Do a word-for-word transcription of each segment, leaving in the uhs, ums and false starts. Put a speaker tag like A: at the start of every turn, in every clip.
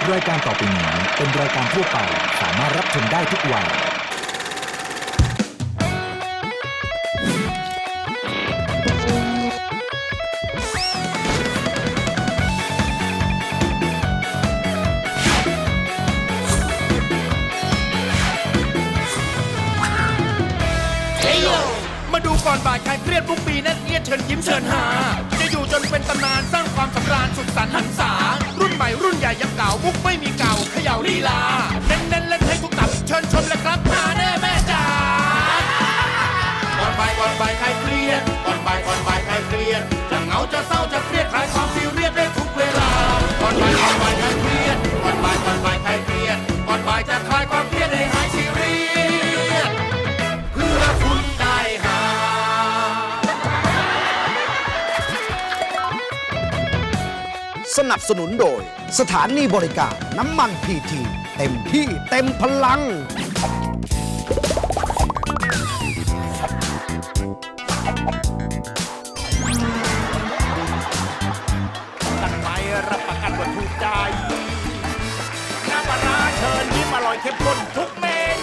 A: รายการต่อไปนี้เป็นรายการทั่วไปสามารถรับชมได้ทุกวัย
B: มาดูก่อนบ่ายใครเครียดทุกปีนั่นเอียดเชิญยิ้มเชิญหาจะอยู่จนเป็นตำนานสร้างความสำราญสุขสันต์หันษารุ่นใหม่รุ่นใหญ่ยังเก่ามุกไม่มีเก่าเขย่าลีลาเน้นเน้นเล่นให้ทุกตับเชิญชมเลยครับหาแน่แม่จ๋าก่อนบ่ายก่อนบ่ายใครเครียดก่อนบ่ายก่อนบ่ายใครเครียดจะเหงาจะเศร้าจะเครียดคลายความซีเรียสได้ทุกเวลาก่อนบ่ายก่อนบ่ายใครเครียดก่อนบ่ายก่อนบ่ายใครเครียดก่อนบ่ายจะคลายความเครียดให้หายซีเรียสเพื่อคุณได้หา
C: สนับสนุนโดยสถานีบริการน้ำมันพีทีเต็มที่เต็มพลัง
B: กันไปรับประกันว่าถูกใจน้ำปลาร้าเชิญยิ้มอร่อยเข้มข้นทุกเมนู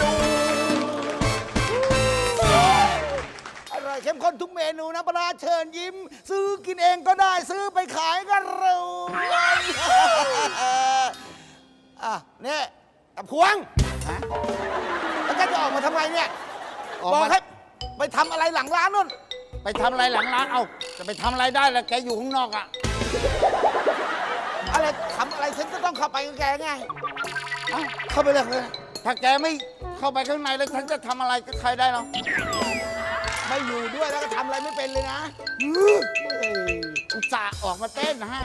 C: อร่อยเข้มข้นทุกเมนูนะปลาเชิญยิ้มซื้อกินเองก็ได้ซื้อไปขายก็รวยอ่ะเนี่ยตะพวงแล้วแกจะออกมาทำไมเนี่ยบอกให้ไปทำอะไรหลังร้านนู่น
D: ไปทำอะไรหลังร้าน เอาจะไปทำอะไรได้ล่ะแกอยู่ข้างนอกอะ
C: อะไรทำอะไรฉันก็ต้องเข้าไปกับแกไงเอ้าเข้าไปเลยเลย
D: ถ้าแกไม่เข้าไปข้างในแล้วฉันจะทำอะไรกับใครได้หรอ
C: ไม่อยู่ด้วยแล้วก็ทำอะไรไม่เป็นเลยนะเฮ้ย
D: อุตส่าห์ออกมาเต้นให้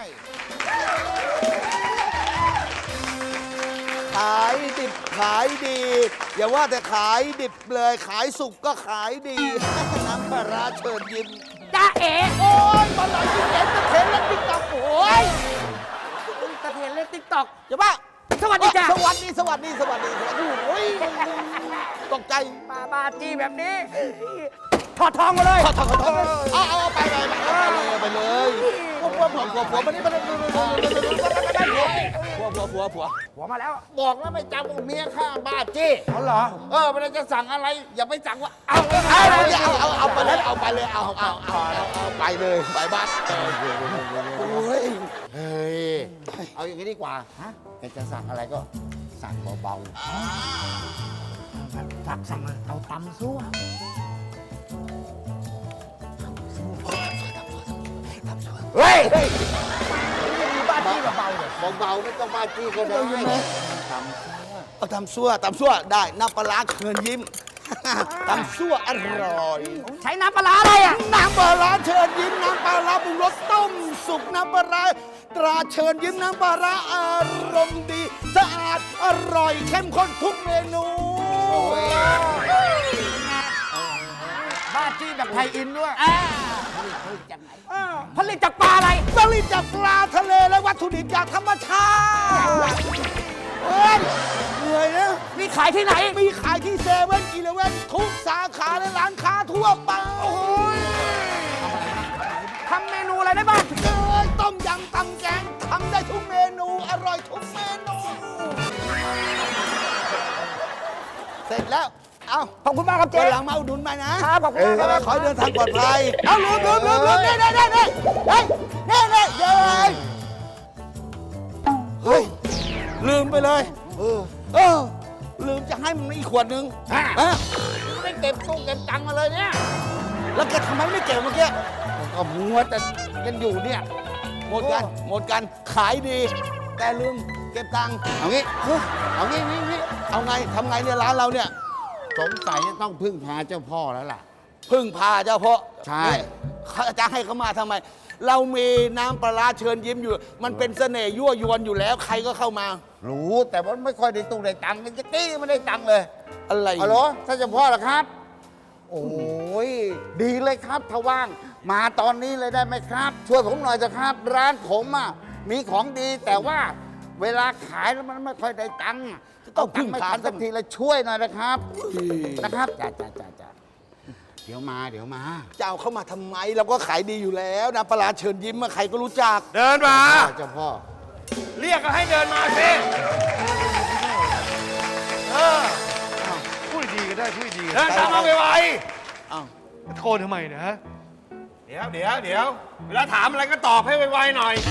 C: ขายดิบขายดี อย่าว่าแต่ขายดิบเลยขายสุกก็ขายดี น้ำปลาร้าเชิญยิ้ม
E: จ้าเอ๋
C: โอ้ยตอนหลังกินเอ็นตะเทนและติ๊กต็อกโอ้ย
E: ตะเทนเล่นติ๊กต็อก
C: อย่าบ้า
E: สวัสดีจ้ะ
C: สวัสดีสวัสดีสวัสดีสวัสดีโอ้ยตกใจ
E: บาบาจีแบบนี้ถอดทองมาเลย
C: ขอโทษขอโทษเอาเอาไปเลยไปเลยผัวผัวผัวผัวผัวมันนี่มันผัวผัวผัวผัว
E: หัวมาแล้ว
D: บอกแล้วไม่จำว่าเมียข้าบ้าจี้
E: เขาเหรอ
D: เออเวลาจะสั่งอะไร อย่าไปสั่งว่าเอา
C: เอาเอาเอาไปเลยเอาไปเลยเอาเอาเอาเอาไปเลยไปบ้านโอ้ย
D: เฮ้ยเอาอย่างนี้ดีกว่าฮะแกจะสั่งอะไรก็สั่งเบา
E: สั่งสั่งเอาตำซั่ว
D: ๆเฮ้ย
E: มีบ้านที่เบาๆเลย
D: เบาๆไม่ต้องบ้าจี้ก็ได้ทำ
C: เอาตำซั่วตำซั่วได้น้ำปลาร้าเชิญยิ้มตำซั่วอร่อย
E: ใช้น้ำปลาร้าอะไรอ่ะ
C: น้ำปลาร้าเชิญยิ้มน้ำปลาร้าปรุงรสต้มสุกน้ำปลาร้าตราเชิญยิ้มน้ำปลาร้าอารมณ์ดีสะอาดอร่อยเข้มข้นทุกเมนู
E: บ้านจี้แบบไทยอินด้วยผลิตจากปลาอะไร
C: ผลิตจากปลาทะเลและวัตถุดิบจากธรรมชาติเฮ้ยเหนื่อยนะ
E: มีขายที่ไหน
C: มีขายที่เซเว่นอีเลเว่นทุกสาขาและร้านค้าทั่วไปโอ้ย
E: ทำเมนูอะไรได้บ้าง
C: เอ้ยต้มยำตำแกงทำได้ทุกเมนูอร่อยทุกเมนู เสร็จแล้ว เอา
E: ขอบคุณมากครับเจ๊
C: วันหลังมาอุดหนุนใหม่นะครับ
E: ขอบคุณมากครับ
C: ขอให้เดินทางปลอดภัย เอาลืมลืมลืมลืมเน่เน่เน่เน่เฮ้ยเน่เน่เย้ยเฮ้ย ลืมไปเลย เออ เออ ลืมจะให้มันอีกขวดนึง
D: ฮะ
C: ฮะ
D: ไม่เก็บตู้เก็บตังค์มาเลยเนี่ย
C: แล้วแกทำไมไม่เก็บเมื่อกี้
D: ก็มัวแต่กันอยู่เนี่ย
C: หมดกัน หมดกัน ขายดี แต่ลืมเก็บตังค์
D: เอางี้ เอางี้งี้งี้
C: เอาไงทำไงเนี่ยร้านเราเนี่ย
D: สงสัยจะต้องพึ่งพาเจ้าพ่อแล้วล่ะ
C: พึ่งพาเจ้าพ่อ
D: ใช่
C: นี่เขาจะให้เขามาทำไม เรามีน้ำปลาร้าเชิญยิ้มอยู่ มันเป็นเสน่ห์ยั่วยวนอยู่แล้ว ใครก็เข้ามา
D: รู้แต่ว่าไม่ค่อยได้ตุ้งได้ตังค์มันจะกี้ไม่ได้ตังค์เลย
C: อะไร
D: ฮัลโหลท่านเจ้าพ่อเหรอครับ โอ้ยดีเลยครับถ้าว่าง มาตอนนี้เลยได้ไหมครับ ช่วยผมหน่อยเถอะครับ ร้านผมอ่ะมีของดีแต่ว่าเวลาขายแล้วมันไม่ค่อยได้ตังค์ต้องพึ่งไม่ทันสักทีเลยช่วยหน่อยนะครับนะครับจ้าจ้าจ้าจ้าเดี๋ยวมาเดี๋ยวมา
C: จะเอาเข้ามาทำไม เราก็ขายดีอยู่แล้วนะปลาร้าเชิญยิ้มอะใครก็รู้จัก
B: เดินมา
D: เจ้าพ่อ
B: เรียกก็ให้เดินมาสิเออ
F: พูดดีก็ได้พูดดี
B: เดินตามมาไว
C: อ้าว
F: ตะโกนทำไมเนะฮะ
B: ๆเดี๋ยวเดี๋ยวเดี๋ยวเวลาถามอะไรก็ตอบให้ไวๆหน่อย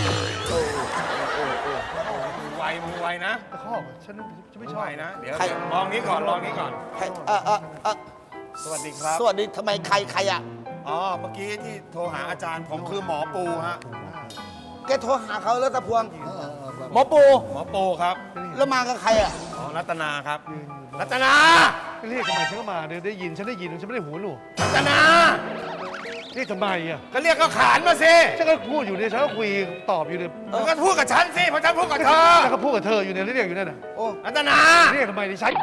B: มือไวมือไวนะ
F: ตะคอกฉันฉันไม่
B: มือ
F: ชอ
B: ไว
F: บ
B: นะเดี๋ยว
C: ใคร
B: ลองนี้ก่อนลองนี้ก่อน
C: ใครเออเออเออ
B: สวัสดีครับ
C: สวัสดีทำไมใครใครอ่ะ
B: อ๋อเมื่อกี้ที่โทรหาอาจารย์ผมคือหมอปูฮะ
C: แกโทรหาเขาแล้วตะพวงหมอปู
B: หมอปูครับ
C: แล้วมากับใครอ่ะ
B: อ๋อรัตนาครับ รัตนา
F: เรียกทำไมฉันก็มาเดี๋ยวได้ยินฉันได้ยินฉันไม่ได้หูหนู
B: รัตนา
F: เรียกทำไมอ่ะ
B: ก็เรียกก็ขานมาสิ
F: ฉันก็พูดอยู่เนี่ยฉันก็คุยตอบอยู่เนี่ย
B: มันก็พูดกับฉันสิเพราะฉันพูดกับเธอ
F: ฉันก็พูดกับเธออยู่เนี่ยเรียกอยู่เนี่ยนะ
C: โอ้
B: รัตนา
F: เรียกทำไมดิฉัน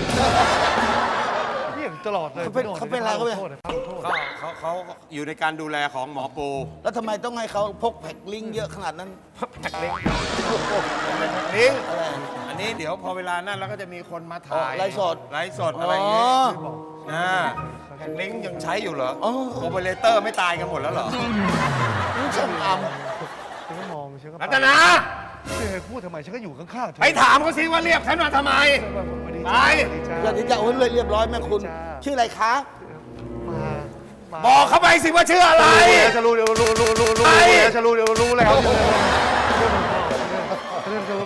F: เรียกตลอดเลย
C: เขาเป็นเขาเป็นอะไรเขาเป็น
F: โทษนะโทษ
B: เขาเขาเขาอยู่ในการดูแลของหมอปู
C: แล้วทำไมต้องให้เขาพกแพ็คลิงก์เยอะขนาดนั้น
B: แพ็คลิงก์ลิงก์
C: อะไร
B: อันนี้เดี๋ยวพอเวลานั้นเราก็จะมีคนมา
C: อ๋
B: ถ่า
C: อย ไลฟ์สด
B: ไลฟ์สดอะไรอย่างเงี้ย
C: อ๋อ
B: อ่าแพ็คลิงก์ยังใช้อยู่เหรอ
C: อ๋อ
B: โอเปอเรเตอร์ไม่ตายกันหมดแล้วเหรอ
C: นี่ช่างอ
F: ฉันก็มองฉันก็
B: รัตนา
F: เธอพูดทำไมฉันก็อยู่ข้างๆเธอ
B: ไปถามเขาสิว่าเรียกฉันมาทำไม
F: สวัสดี
B: ไป
F: จ้า
C: ำอย่าที่จะโอ้ยเลยเรียบร้อยแม่คุณ
F: จ้า
C: ชื่ออะไรคะ
F: มามา
B: บอกเขาไปสิว่าชื่ออะไร
F: ฉันรู้เดี๋ยวรู้รู้รู้รู้
B: ไป
F: ฉันรู้เดี๋ยวรู้แล้วเรื่องเรื่อง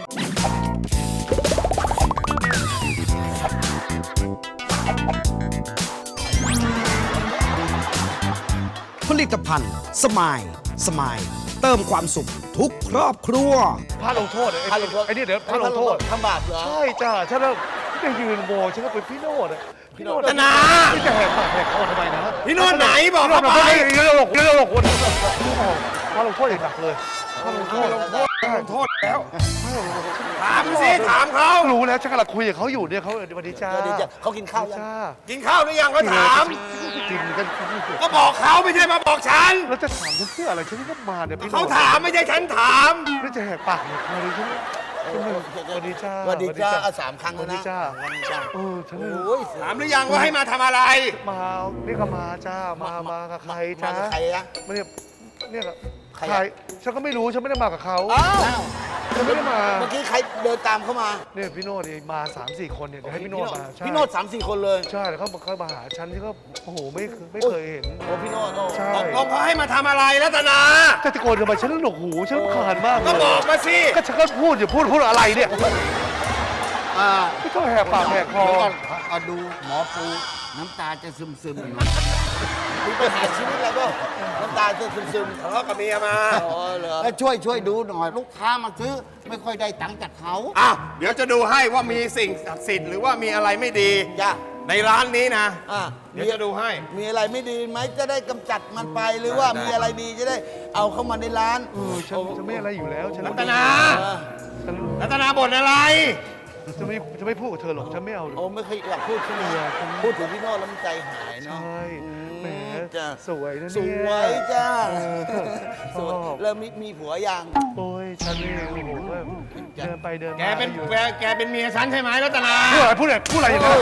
G: ผลิตภัณฑ์สมายสมายเติมความสุขทุกครอบครัว
F: พาลงโทษ
C: พาลงโทษ
F: ไอ้นี่เดี๋ยวพาลงโทษ
C: ทำบาปเหรอ
F: ใช่จ้าฉันแล้วจะยืนโมฉันก็เป็นพี่โนดอะพี่โนด
B: รัตนา
F: ที่จะแหกปากแหกคอทำไมนะ
B: พี่โนดไหนบอก
F: พี่โน
B: เขา
F: ด
B: ไป
F: ไม่ได้เรื่องหลอกเรื่องหลอกคนพาลงโทษอย่างหนักเลยพาลงโทษ
B: ลงโทษลงโทษแล้ว ถามสิถามเขา
F: รู้แล้วฉันกำลังคุยกับเขาอยู่เนี่ยเขาสวัสดีจ้า
C: สวัสดีจ้ะเขากินข้าวยัง
F: จ้า
B: กินข้าวหรือยังก็ถาม
F: กินกัน
B: ก็บอกเขาไม่ใช่มาบอกฉัน
F: แล้วจะถามฉันเพื่ออะไรฉันก็มาเนี่ยพี่โน
B: เขา
F: ด
B: ถามไม่ใช่ฉันถาม
F: แล้วจะแหกปากเนี่ยมาเลยฉันสวัสดีจ้า
C: สวัสดีจ้าเอาสามครั้ง
F: ส
C: แล้
F: วั
C: ว
F: สดี
C: นะ
F: จ้า
C: สวัสดีจ้า
F: เออฉัน
C: โอ้ย
B: ถามหรือยังว่าให้มาทำอะไร
F: มาเรียกมาจ้ามามากับใคร
C: มา
F: จ้า
C: กับใครอะ
F: ไม่เนี่ยเนี่ยกับ
C: ใครอะ
F: ใครฉันก็ไม่รู้ฉันไม่ได้มากับเขา
C: อ้าว
F: ฉันไม่ได้มา
C: เมื่อกี้ใครเดินตามเข้ามา
F: เนี่ยพี่โนดนี่มาสามสี่คนเนี่ยเดี๋ยวให้พี่โนดมาใช่
C: พี่โนดสามสี่คนเลย
F: ใช่แล้วเขาเขามาหาฉันที่เขาโอ้โหไม่เคยไม่เคยเห็น
C: โอ้พี่โนดโอ้
F: ใช่
B: ตกลงเขาให้มาทำอะไรรัตนา
F: จะตะโกนทำไมฉันหนวกหูฉันรำคาญมากเล
B: ก็
F: ย
B: บอกมาสิ
F: ก็ฉันก็พูดอยู่พูดพูดอะไรเนี่ย
D: อ่า
F: พี่ก็แหกปากแหกคอ
D: เดี๋ยวก่อนเอาดูหมอปูน้ำตาจะซึมซึมๆอยู่
C: คุณไปหาชีวิตแล้วก็น้ำตาจะซึม
B: ทะเลาะกับเมียมา
C: ๆอ๋อเหรอ
D: แล้วช่วยช่วยดูหน่อย ลูกค้ามาซื้อไม่ค่อยได้ตังค์จากเขา
B: อ้าวเดี๋ยวจะดูให้ว่ามีสิ่งศักดิ์สิทธิ์หรือว่ามีอะไรไม่ดี
C: จ้า
B: ในร้านนี้นะ
C: อ่ะ
B: เดี๋ยวจะดูให้
C: มีอะไรไม่ดีไหมจะได้กำจัดมันไปหรือว่า
B: ได้
C: มีอะไรดีจะได้เอาเข้ามาในร้าน
F: เออฉันจะไม่อะไรอยู่แล้วฉัน
B: รัตนา
C: เออ
F: ฉัน
B: รัตนาบ่นอะไร
F: จะไม่จะไม่พูดกับเธอหรอกฉันไม่เอาหรอก
C: โอ้ไม่เคยอยากพูดขึ้นมาพูดถึงพี่โน่แล้วมันใจหาย
F: ใช
C: เนาะ
F: ่แหม
C: จ้ะ
F: สวยนะ
C: ส
F: เนี่ย
C: วยจ้า
F: เออ
C: สวย
F: ชอบ
C: แล้วมีมีผัวยัง
F: โอ้ยฉันนี่โอ้โหว่าเดินไปเดินมา
B: แกเป็น
F: อยู่
B: แกแกเป็นเมียฉันใช่ไหมรัตนา
F: พูดอะไรพูดอะไรพูดอะไรอย่างนั้น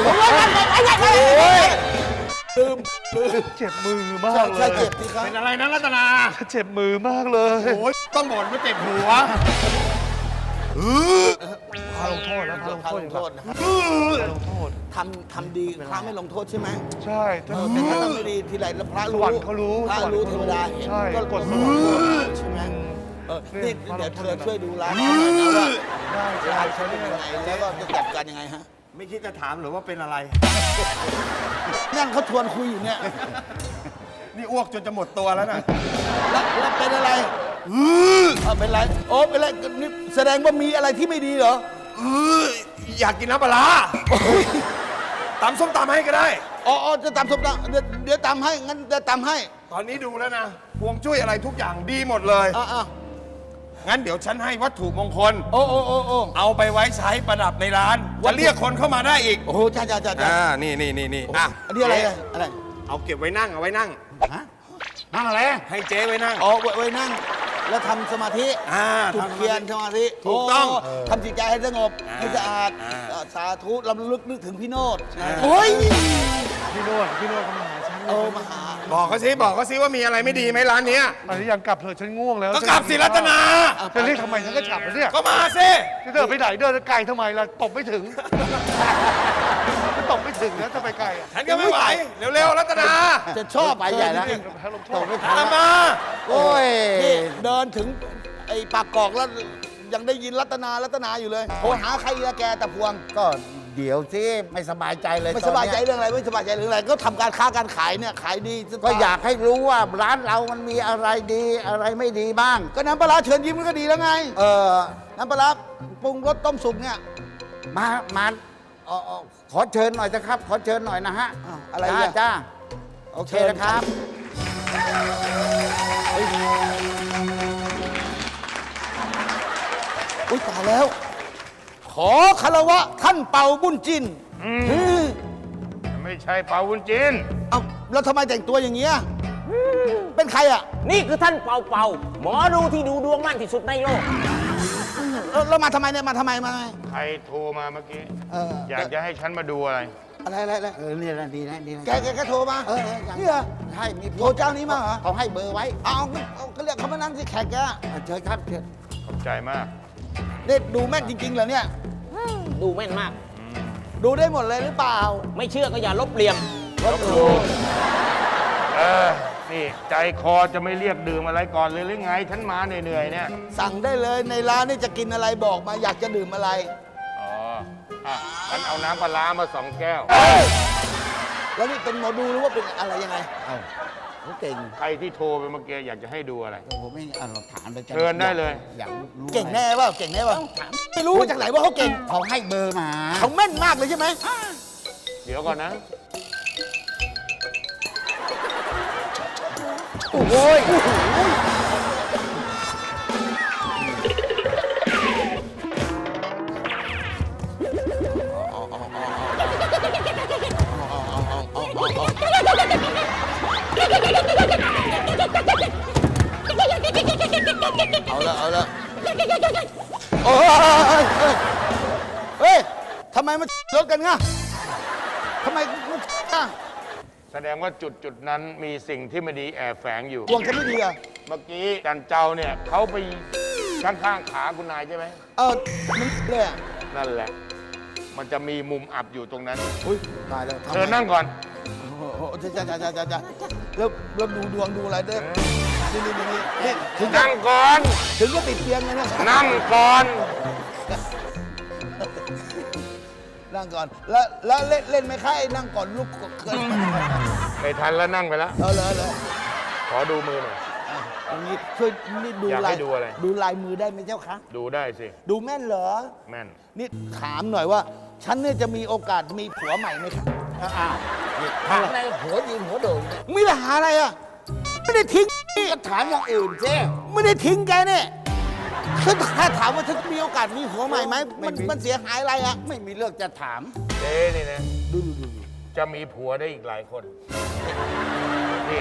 C: ลืมลืม
F: เจ็บมือมาก
C: ใช่
F: เลย
C: ใช่เจ็บสิครับ
B: เป็นอะไรนะรัตนา
F: เจ็บมือมากเลย
B: โอ้ยต้องบ่นว่าเจ็บหัว
F: พาลงโทษแล้วพาลง
C: พา
F: โทษ
C: ล
F: อง ย่าง
C: โท
F: นั้น
C: ษนะครับ
F: พาลงโทษ
C: ทำทำดีพระไม่ลงโทษใช่ไหม
F: ใช่ถ้า
C: เออแต่ถ้าทำไม่ดีทีไรแล้วพระ
F: ส
C: รู้
F: วรรค์เขารู้
C: พระ
F: สวรรค์
C: รู้
F: เขา
C: เทวดาเห็น
F: ใช่
C: ก็
F: กดสวรรค์
C: ใช่ไหมเออ
F: เนี่
C: นี่
F: ย
C: เดี๋ยวเธอ
F: พาลงโทษ
C: ช่วยดูร้านเขาหน่อยนะว่า
F: ได้
C: ร้า
F: ใช่
C: นเขา
F: ใช่
C: เป็นยังไงแล้วก็จะจัดการยังไงฮะ
B: ไม่คิดจะถามหรือว่าเป็นอะไร
C: นั่งเขาชวนคุยอยู่เนี่ย
B: นี่อ้วกจนจะหมดตัวแล้วนะ
C: แล้วแล้วเป็นอะไรเออเป็นไรโอ้เป็นไรนี่แสดงว่ามีอะไรที่ไม่ดีเหรอ
B: เอออยากกินน้ำปลาร้าตำส้มตำให้ก็ได้
C: อ๋ออ๋อจะตำส้มตำเดี๋ยวเดี๋ยวตำให้งั้นจะตำให้
B: ตอนนี้ดูแล้วนะพวงจุ้ยอะไรทุกอย่างดีหมดเลย
C: อ่ะอ่ะ
B: งั้นเดี๋ยวฉันให้วัตถุมงคล
C: โอ้โอ้โอ้โอ้
B: เอาไปไว้ใช้ประดับในร้านจะเรียกคนเข้ามาได้อีก
C: โอ้โหจ้าจ้าจ้าจ้า
B: อ่า นี่นี่นี่นี่อ่ะ
C: อันนี้อะไรอะอะไร
B: เอาเก็บไว้นั่งเอาไว้นั่ง
D: ฮะนั่งอะไร
B: ให้เจ๊ไว้นั่ง
C: อ๋อไว้ไว้นั่ง แล้วทำสมาธิ
B: อ่า
C: จุด
B: ทำสมาธิ
C: เทียนสมาธิ
B: ถูกต้อง
C: โทำจิตใจให้สงบ
B: อ่า
C: ให้สะอาด
B: อ่า
C: เอ่อสาธุลำลึกนึกถึงพี่โนด
B: อ่า
C: โอ้ย
F: พี่โนดพี่โนดเขามาหาฉัน
C: เออมาหา
B: บอกเขาสิบอกเขาสิว่ามีอะไรไม่ดีไหมร้านเนี้ย
F: อันนี้ยังกลับเถอะฉันง่วงแล้ว
B: ก็กลับสิรัตนา
F: จะเรียกทำไมฉันก็กลับแล้วเนี่ย
B: ก็มาสิ
F: จะเดินไปไหนเดินไกลทำไมล่ะตบไม่ถึงจะตบไม่ถึงนะจะไปไกลอ่ะ
B: ฉันก็ไม่ไหวเร็วๆรัตนา
C: จะชอบ
D: ไปใหญ่แล้ว
C: จริง
F: ให้ลงโท
D: ต
F: ษ
D: กไม่
B: ตา
D: ทัน
B: มมา
D: โอ้ย
C: ๆนี่เดินถึงไอ้ปากกอกแล้วยังได้ยินรัตนารัตนาอยู่เลยโทรหาใครละแกแต่พวง
D: ก็เดี๋ยวสิไม่สบายใจเลย
C: ไม่
D: ต
C: ส
D: อน
C: บาย
D: เนี้
C: ใจเรื่องอะไรไม่สบายใจเรื่องอะไรก็ทำการค้าการขายเนี่ยขายดีจะ
D: ก็อยากให้รู้ว่าร้านเรามันมีอะไรดีอะไรไม่ดีบ้าง
C: ก็น้ำปลาร้าเชิญยิ้มก็ดีแล้วไง
D: เออ
C: น้ำปลาร้าปรุงรสต้มสุกเนี่ย
D: มามาเอ่อเอ่อขอเชิญหน่อยนะครับ ขอเชิญหน่อยนะฮะ
C: อ้าวอะไร
D: จ้า
C: อ่ะ
D: จ้าโอเคนะครับ
C: อุ้ยตายแล้ว ขอคารวะท่านเป่าบุญจินเฮ้ย
F: ไม่ใช่เปาวุ้นจีน
C: เอ้าแล้วทำไมแต่งตัวอย่างเงี้ยเป็นใครอ่ะ
E: นี่คือท่านเป่าเป่าหมอดูที่ดูดวงมั่นที่สุดในโลก
C: แล้วแล้วมาทำไมเนี่ยมาทำไมมาทำไม
F: ใครโทรมาเมื่อกี้
C: เออ
F: อยากจะให้ฉันมาดูอะไร
C: อะไรอะไรอะไร
D: เออเนี่ยนะดีนะดีนะ
C: แกแกแกโทรมา
D: เออเอออย่าง
C: นี่เหรอ
D: ใช่มี
C: โทรเจ้านี้มาเหรอ
D: เขาให้เบอร์ไว้
C: เอาเอาก็เรียกเขามานั่งสิแขกแก
D: เอาเชิญครับเชิญ
F: ขอบใจมาก
C: เนี่ยดูแม่นจริงๆเหรอเนี่ย
E: ดูแม่นมาก
C: ดูได้หมดเลยหรือเปล่า
E: ไม่เชื่อก็อย่าลบเลียม
C: ลบดู
F: เออ นี่ใจคอจะไม่เรียกดื่มอะไรก่อนเลยหรือไง ฉันมาเหนื่อยๆเนี่ย
C: สั่งได้เลยในร้านนี่จะกินอะไรบอกมาอยากจะดื่มอะไร
F: อ๋ออ่ะฉันเอาน้ำปลาร้ามาสองแก้ว
C: แล้วนี่เป็นหมอดูหรือว่าเป็นอะไรยังไง
D: เอ้าเขาเก่ง
F: ใครที่โทรไปเมื่อกี้อยากจะให้ดูอะไร
D: ผมไม่เอาหลักฐานไปจะ
F: เชิญได้เลย
D: อยากรู้
C: เก่งแน่เปล่าเก่งแน่เปล่าไม่รู้มาจากไหนว่าเขาเก่ง
D: เขาให้เบอร์มา
C: เขาแม่นมากเลยใช่ไหม
F: เดี๋ยวก่อนนะ
C: โอ้ยเอาละเอาละโอ้ยเฮ้ยทำไมมันรถกันง่ะทำไมมันอ่ะ
F: แสดงว่าจุดจุดๆนั้นมีสิ่งที่ไม่ดีแอบแฝงอยู่
C: ดวงฉันไม่ดีอ่ะ
F: เมื่อกี้จันเจ้าเนี่ยเขาไปข้างๆขาคุณนายใช่ไหม
C: เออมันเลยอ่ะ
F: นั่นแหละ มันจะมีมุมอับอยู่ตรงนั้น
C: อุ้ยตายแล้วทำไม
F: เชิญนั่งก่อน
C: โอ้โหจ้าจ้าจ้าจ้าจ้าแล้วแล้วดูดวงดูอะไรเด้อนี่นี่นี่นี่ถึงจะ
F: นั่งก่อน
C: ถึงก็ติดเตียงเลยนะ
F: นั่งก่อน
C: นั่งก่อน แล้วแล้วเล่นเล่นไหมคะไอ้นั่งก่อนลุกเกิน
F: ไม่ทันแล้วนั่งไปแล้ว
C: เออเลยเลย
F: ขอดูมือหน่อย
C: อ่ะอย่างนี้ช่วยนี่ดู
F: อยาก
C: ลา
F: ให้
C: ย
F: ดูอะไร
C: ดูลายมือได้ไหมเจ้าคะ
F: ดูได้สิ
C: ดูแม่นเหรอ
F: แม่น
C: นี่ถามหน่อยว่า ฉันเนี่ยจะมีโอกาสมีผัวใหม่ไหมคะ
D: อ้าวนี่ถามอะไรหัวยืนหัวโด่งเนี่ย
C: มีปัญหาอะไรอ่ะไม่ได้ทิ้งนี่
D: ก็ถามอย่างอื่นเจ้
C: ไม่ได้ทิ้งแกเนี่ยคือถ้าถามว่าฉันมีโอกาสมีผัวใหม่ไหมมัน
D: ไม่มี
C: มันเสียหายอะไรอ่ะ
D: ไม่มีเรื่องจะถาม
F: เจ๊นี่นะจะมีผัวได้อีกหลายคน นี่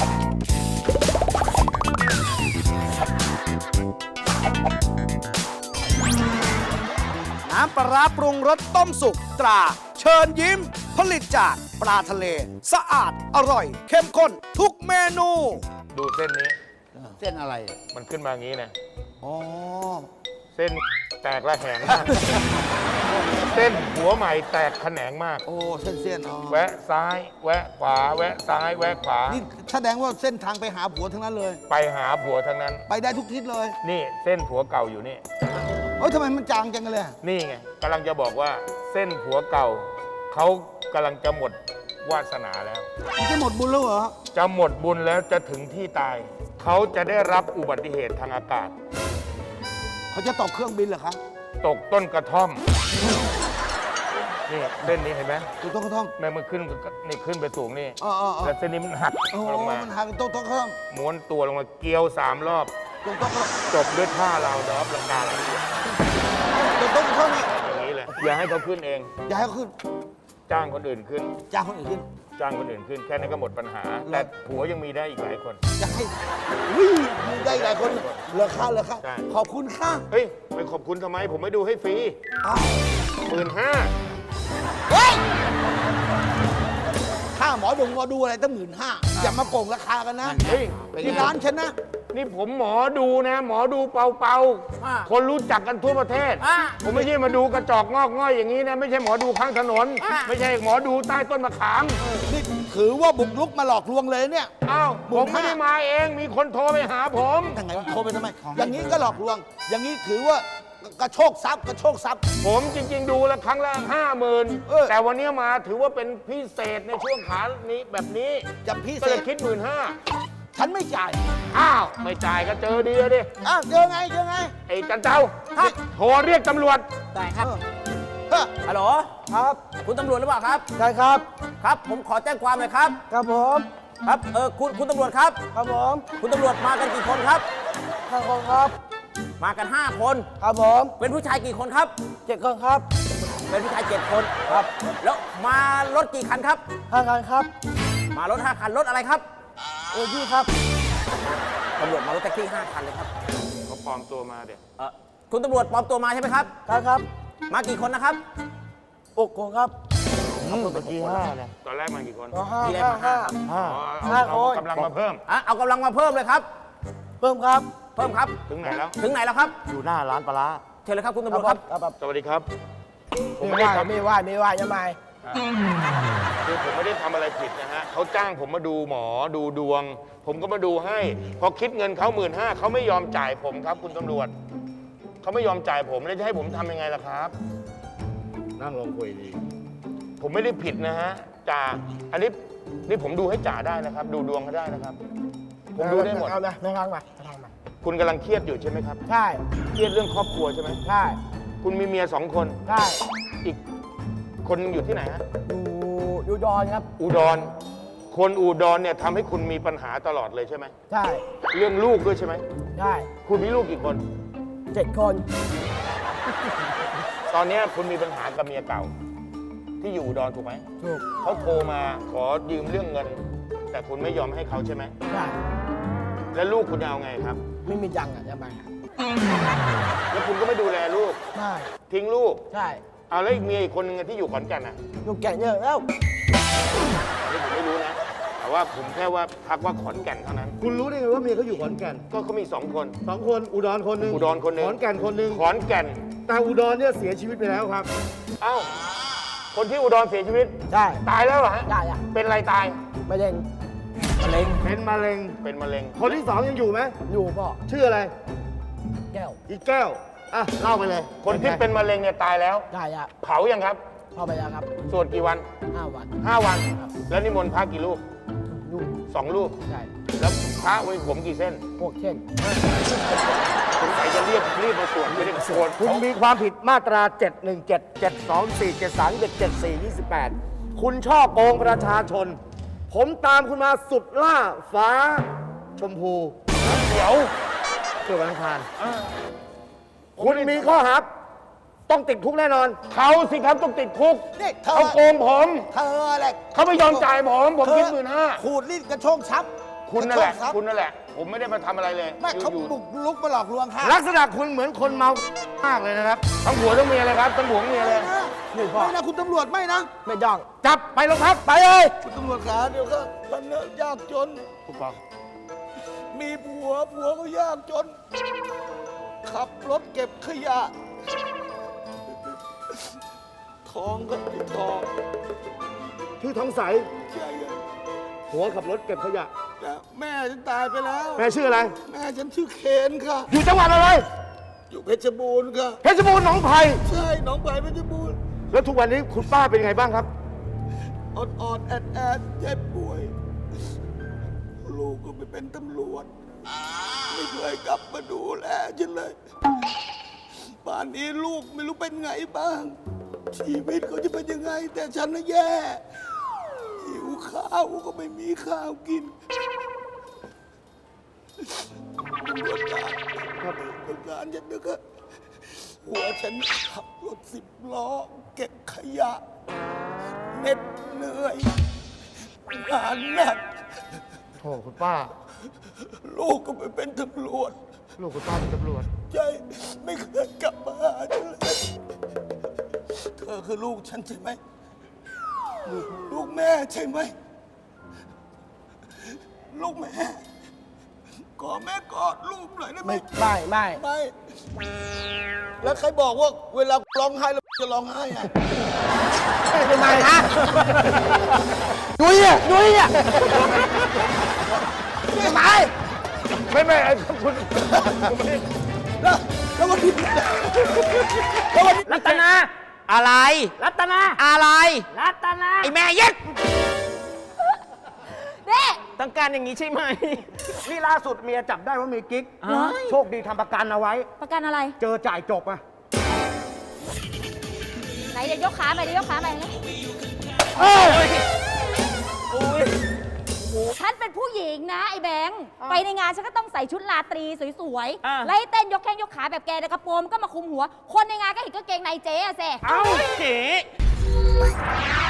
G: น้ำปลาร้าปรุงรสต้มสุกตรา เชิญยิ้ม ผลิตจากปลาทะเล สะอาดอร่อย เข้มข้นทุกเมนู
F: ดูเส้นนี้
D: เส้นอะไร
F: มันขึ้นมาอย่างนี้นะ
C: อ๋อ
F: เส้นแตกระแหงมาก เส้นหัวใหม่แตกแขนงมาก
C: โอ้เส้นเส้นอ๋อ
F: แวะซ้าย แวะขวา แวะซ้าย แวะขวา
C: นี่แสดงว่าเส้นทางไปหาผัวทั้งนั้นเลย
F: ไปหาผัวทั้งนั้น
C: ไปได้ทุกทิศเลย
F: นี่เส้นผัวเก่าอยู่นี่
C: เฮ้ยทำไมมันจางจังเลยอะ
F: นี่ไงกำลังจะบอกว่าเส้นผัวเก่า เขากำลังจะหมดวาสนาแล้ว
C: มันจะหมดบุญแล้วเหรอ
F: จะหมดบุญแล้วจะถึงที่ตาย เขาจะได้รับอุบัติเหตุทางอากาศ
C: เขาจะตกเครื่องบินเหรอคะ
F: ตกต้นกระท่อม นี่เส้นนี้เห็นไหม
C: ถูกต้องเขาท่อง
F: แม่มันขึ้นนี่ขึ้นไปสูงนี่
C: อ๋ออ๋ออ๋อ
F: แล้วเส้นนี้มันหัก
C: โอ้โห
F: ลงมา
C: มันหักตรงต้องเขาท่อง
F: ม้วนตัวลงมาเกี่ยวสามรอบ
C: ตรงต้องเขา
F: จบด้วยท่าเราดอบลังกาอย่าง
C: ตรงต้องเขาท่องนี่
F: นี้เลย อย่าให้เขาขึ้นเอง
C: อย่าให้เขาขึ้น
F: จ้างคนอื่นขึ้น
C: จ้างคนอื่นขึ้น
F: จ้างคนอื่นขึ้น แค่นั้นก็หมดปัญหา แต่ผัวยังมีได้อีกหลายคน
C: อย่าให้วิ่งมีได้หลายคนเหลือค่าเหลือค่า
F: ใช่
C: ขอบคุณค่า
F: เฮ้ย ไปขอบคุณทำไม ผมไม่ดูให้ฟรี
C: อ้าว
F: หมื่นห้า
C: เฮ้ยค่าหมอดงหมอดูอะไรตั้งหมื่นห้าอย่ามาโกงราคากันนะ
F: เฮ้ย
C: ที่ร้านฉันนะ
F: นี่ผมหมอดูนะ หมอดูเปาเปาๆ
E: อ่า
F: คนรู้จักกันทั่วประเทศ
E: อ่า
F: ผมไม่ใช่มาดูกระจอกงอกง่อยอย่างนี้นะ ไม่ใช่หมอดูข้างถนน
E: อ่า
F: ไม่ใช่หมอดูใต้ต้นมะขาม
C: นี่ถือว่าบุกรุกมาหลอกลวงเลยเนี่ย
F: อ้าว
C: หมื่
F: ผ
C: น
F: ม
C: ห้า
F: ไม่ได้มาเอง มีคนโทรไปหาผม
C: ทางไงโทรไปทำไม อย่างนี้ก็หลอกลวง อย่างนี้ถือว่ากระโชกทรัพย์กระโชกทรัพย์
F: ผมจริง ๆ ดูแล้วครั้งละห้าหมื่น
C: เออ
F: แต่วันนี้มาถือว่าเป็นพิเศษในช่วงขานี้แบบนี้
C: จะพิ
F: ก็
C: เศ
F: เลย
C: ษ
F: คิดหมื่นห้า
C: ฉันไม่จ่าย
F: อ้าว ไม่จ่ายก็เจอดีอะดิ
C: อ้าวเจอไงเจอไง
F: ไอ้จันเจ้า
E: ครับ
F: โทรเรียกตำรวจ
E: ได้ครับ
C: เฮ้อ
E: ฮัลโหล
C: ครับ
E: คุณตำรวจหรือเปล่าครับ
C: ใช่ครับ
E: ครับ ผมขอแจ้งความหน่อยครับ
C: ครับผม
E: ครับ เออ คุณ คุณตำรวจครับ
C: ครับผม
E: คุณตำรวจมากันกี่คนครับ
C: ห้าคนครับ
E: มากันห้าคน
C: ครับผม
E: เป็นผู้ชายกี่คนครับ
C: เจ็ดคนครับ
E: เป็นผู้ชายเจ็ดคน
C: ครับ
E: แล้วมารถกี่คันครับ
C: ห้าคนครับ
E: มารถห้าคัน รถอะไรครับ
C: เออยี่ครับ
E: ตำรวจมารถแท็กซี่ห้าคันเลยครับ
F: เขาปลอมตัวมาเดี๋ยว
E: เออคุณตำรวจปลอมตัวมาใช่ไหมครับ
C: ครับครับ
E: มากี่คนนะครับ
C: อกคนครับ
F: เมื่อกี้ห้านะตอนแรกมากี่คน
C: อ๋อห้า
E: ที่แรก
C: ห้า
E: มาห้า
C: ห้า
F: อ๋อเอา
C: ห้า
F: เอา
C: คน
F: กำลังมาเพิ่ม
E: อ่ะเอากำลังมาเพิ่มเลยครับ
C: เพิ่มครับ
E: เพิ่มครับ
F: ถึงไหนแล้ว
E: ถึงไหนแล้วครับ
F: อยู่หน้าร้านปลาร้า
E: เชิญเลยครับคุณตำรวจครับ
F: สวัสดีครับ ผม
C: ไม่
F: ไม่ได้
C: ว่า
F: ทำ
C: ไม่ว่าไม่ว่ายังไง
F: คือผมไม่ได้ทำอะไรผิดนะฮะเขาจ้างผมมาดูหมอดูดวง ผมก็มาดูให้ พอคิดเงินเขาหมื่นห้าเขาไม่ยอมจ่ายผมครับ คุณตำรวจ เขาไม่ยอมจ่ายผมแล้วจะให้ผมทำยังไงล่ะครับ
D: นั่งลงคุยดี
F: ผมไม่ได้ผิดนะฮะจ่าอันนี้นี่ผมดูให้จ่าได้นะครับ ดูดวงเขาได้นะครับ ผมดูได้หมด
C: เอานะไม่ฟังมาไม่ฟังมา
F: คุณกำลังเครียดอยู่ใช่ไหมครับ
C: ใช่
F: เครียดเรื่องครอบครัวใช่ไหม
C: ใช่
F: คุณมีเมียสองคน
C: ใช่
F: อีกคนหนึ่งอยู่ที่ไหนฮะ
C: อยู่อยู่ดอนครับ
F: อุดร คนอุดรเนี่ยทำให้คุณมีปัญหาตลอดเลยใช่ไหม
C: ใช่
F: เรื่องลูกด้วยใช่ไหม
C: ใช่
F: คุณมีลูกกี่คน
C: เจ็ดคน
F: ตอนเนี้ยคุณมีปัญหากับเมียเก่า ที่อยู่อุดรถูกไหม
C: ถูก
F: เขาโทรมาขอยืมเรื่องเงิน แต่คุณไม่ยอมให้เขาใช่ไหม
C: ใช่
F: แล้วลูกคุณจะเอาไงครับ
C: ไม่มีจังอ่ะยังไง
F: แล้วคุณก็ไม่ดูแลลูก
C: ใช่
F: ทิ้งลูก
C: ใช่
F: เอาแล้วอีกเมียอีกคนนึงที่อยู่ขอนแก่นน่ะ
C: ลูกแก่เยอะแล้ว
F: อันนี้ผมไม่รู้นะ แต่ว่าผมแค่ว่าทักว่าขอนแก่นเท่านั้น
H: คุณรู้ได้ไงว่าเมียเขาอยู่ขอนแก่น
F: ก็เขามีสองคน
H: สองคนอุดรคนหนึ่ง
F: อุดรคนหนึ่ง
H: ขอนแก่นคนหนึ่ง
F: ขอนแก่น
H: แต่อุดรเนี่ยเสียชีวิตไปแล้วครับ
F: เอ้า คนที่อุดรเสียชีวิต
C: ใช่
F: ตายแล้วเหรอฮะ
C: ได้อ่ะ
F: เป็นอะไรตาย
C: ไม่เด้ง
E: มะเร็ง
H: เป็นมะเร็ง
F: เป็นมะเร็ง
H: คนที่สองยังอยู่ไหม
C: อยู่พ่อ
H: ชื่ออะไร
C: แก้ว
H: อีกแก้ว อ่ะ เล่าไปเลย
F: คนที่เป็นมะเร็งเนี่ยตายแล้ว
C: ได้อ่ะ
F: เผายังครับ
C: พ่อไปแล้วครับ
F: สวดกี่วัน
C: ห้าวัน
F: ห้าวัน แล้วนิมนต์พระกี่รูป
C: อยู่
F: สองรูป
C: ใช่
F: แล้วพระไว้ผมกี่เส้น
C: พวกเช่น
F: สงสัยจะเรียบรีบมาสวดไม่ได้สวด
H: คุณมีความผิดมาตรา เจ็ดหนึ่งเจ็ด เจ็ดสองสี่ เจ็ดสาม เจ็ด เจ็ดสี่ ยี่สิบแปด คุณช่อโกงประชาชน ผมตามคุณมาสุดล่าฟ้า ชมพู
F: เดี๋ยว
H: เกิดวันอังคารคุณมีข้อหาต้องติดคุกแน่นอน
F: เขาสิครับต้องติดคุก
C: นี่เธอ
F: เขาโกงผม
C: เธออะไร
F: เขาไม่ยอมจ่ายผม ผมคิดหมื่นห้า
C: ขูดรีดกระโชกทรัพย์
F: คุณนั่นแหละ
C: กรโชกทรัพย์
F: คุณนั่นแหละ ผมไม่ได้มาทำอะไรเลย
C: ไม่เขา
F: อยู่
C: บุกลุกมาหลอกลวงค่ะ
H: ลักษณะคุณเหมือนคนเมามากเลยนะครับ
F: ๆทั้งผัวทั้งเมียเลยครับทั้งผัวทั้งเมียเลย
C: ไม่นะคุณตำรวจไม่นะ ไม่จ้อง
F: จับไปโรงพัก
C: ไปเลยคุณตำรวจขาเดี๋ยวก็มันเนี่ยยากจน
F: ผู้กอง
C: มีผัวผัวก็ยากจน ขับรถเก็บขยะ ทองก็ติดทอง
H: ชื่อทองใส
C: ใช่ไง
H: หัวขับรถเก็บขยะ
C: แต่แม่ฉันตายไปแล้ว
H: แม่ชื่ออะไร
C: แม่ฉันชื่อเคนค่ะ
H: อยู่จังหวัดอะไร
C: อยู่เพชรบูรณ์ค่ะ
H: เพชรบูรณ์หนองไผ่
C: ใช่หนองไผ่เพชรบูรณ์
H: แล้วทุกวันนี้คุณป้าเป็นยังไงบ้างครับ
C: อดอดแอดแอดเจ็บป่วย ลูกก็ไปเป็นตำรวจ ไม่เคยกลับมาดูแลฉันเลยป่านนี้ลูกไม่รู้เป็นไงบ้าง ชีวิตเขาจะเป็นยังไง แต่ฉันน่ะแย่หิวข้าวก็ไม่มีข้าวกินตำรวจการครับตำรวจการฉันนึกอะหัวฉันขับรถสิบล้อ เก็บขยะเหน็ดเหนื่อยงานหนัก
H: โอ้คุณป้า
C: ลูกก็ไปเป็นตำรวจ
H: ลูกคุณป้าเป็นตำรวจ
C: ใจไม่เคยกลับมาหาฉันเลย เธอคือลูกฉันใช่ไหม ลูกลูกแม่ใช่ไหมลูกแม่ ขอแม่กอดลูกหน่อยได้ไหม
E: ไม่ไม่
C: ไม่ แล้วใครบอกว่าเวลาร้องไห้แล้วจะร้องไห้อะ
E: ทำไมฮะนุ้ยอ่ะนุ้ยอ่ะทำไม
F: ไม่ไม่คุณ
C: แล้วแล้ววันนี้แล้ววันนี้
E: รัตนา
I: อะไร
E: รัตนา
I: อะไร
E: รัตนา
I: ไอแม่เย็ด
J: เด้
I: ต้องการอย่างนี้ใช่ไหม
E: นี่ล่าสุดเมียจับได้ว่ามีกิ๊ก โชคดีทำประกันเอาไว้
J: ประกันอะไร
E: เจอจ่ายจบอ่ะ
J: ไหนเดี๋ยวยกขาไปเดี๋ยวยกขาไปนะฉันเป็นผู้หญิงนะไอ้แบงค์ไปในงานฉันก็ต้องใส่ชุดราตรีสวย
I: อ่ะ
J: ๆ ไล่เต้นยกแข้งยกขาแบบแกแต่กระโปรงก็มาคุมหัว คนในงานก็เห็นกางเกงในเจ๊อะเซ่
I: เอ้าเก๋